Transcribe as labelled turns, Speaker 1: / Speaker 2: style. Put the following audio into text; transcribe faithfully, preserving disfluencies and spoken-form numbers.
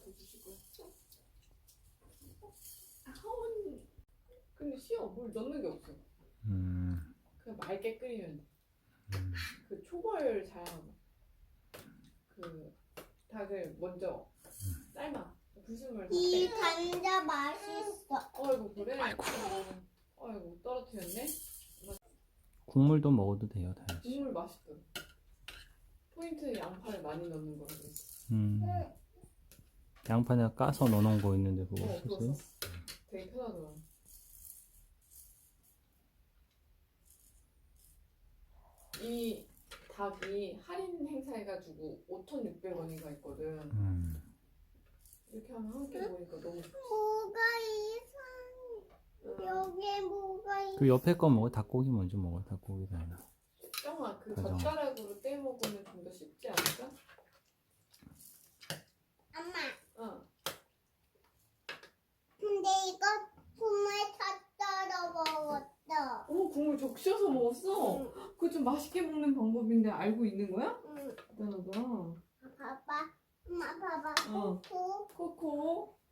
Speaker 1: 엄마한테 주실 거야. 하원. 근데 쉬워. 물 넣는 게 없어.
Speaker 2: 음.
Speaker 1: 그냥 맑게 끓이면 돼.
Speaker 2: 음.
Speaker 1: 그 초벌 잘하는 거. 그 닭을 먼저 삶아. 불순물 다
Speaker 3: 이
Speaker 1: 빼.
Speaker 3: 감자 맛있어.
Speaker 1: 어이구 그래?
Speaker 2: 아이고.
Speaker 1: 어이구 떨어뜨렸네?
Speaker 2: 국물도 먹어도 돼요, 다현 씨.
Speaker 1: 국물 맛있어. 포인트 양파를 많이 넣는 거라고 했어.
Speaker 2: 음. 양파나 까서 넣어놓은 거 있는데 그거
Speaker 1: 어, 그거
Speaker 2: 쓰세요?
Speaker 1: 썼어. 되게 편하더라. 이 닭이 할인 행사해가지고 오천육백 원인가 있거든.
Speaker 2: 음.
Speaker 1: 이렇게 하면 함께 보니까 너무 좋지.
Speaker 3: 뭐가 이상해. 여기에 뭐가 있어.
Speaker 2: 그 옆에 거 먹어. 닭고기 먼저 먹어. 닭고기 다현아.
Speaker 1: 정아 그
Speaker 2: 가정.
Speaker 1: 젓가락으로 떼 먹으면 좀 더 쉽지 않을까?
Speaker 3: 엄마,
Speaker 1: 어.
Speaker 3: 근데 이거 국물 다 떨어 먹었어.
Speaker 1: 오 국물 적셔서 먹었어? 그거 좀 맛있게 먹는 방법인데 알고 있는 거야?
Speaker 3: 응.
Speaker 1: 대단하다.
Speaker 3: 봐봐. 엄마 봐봐.
Speaker 1: 어.
Speaker 3: 코코.
Speaker 1: 코코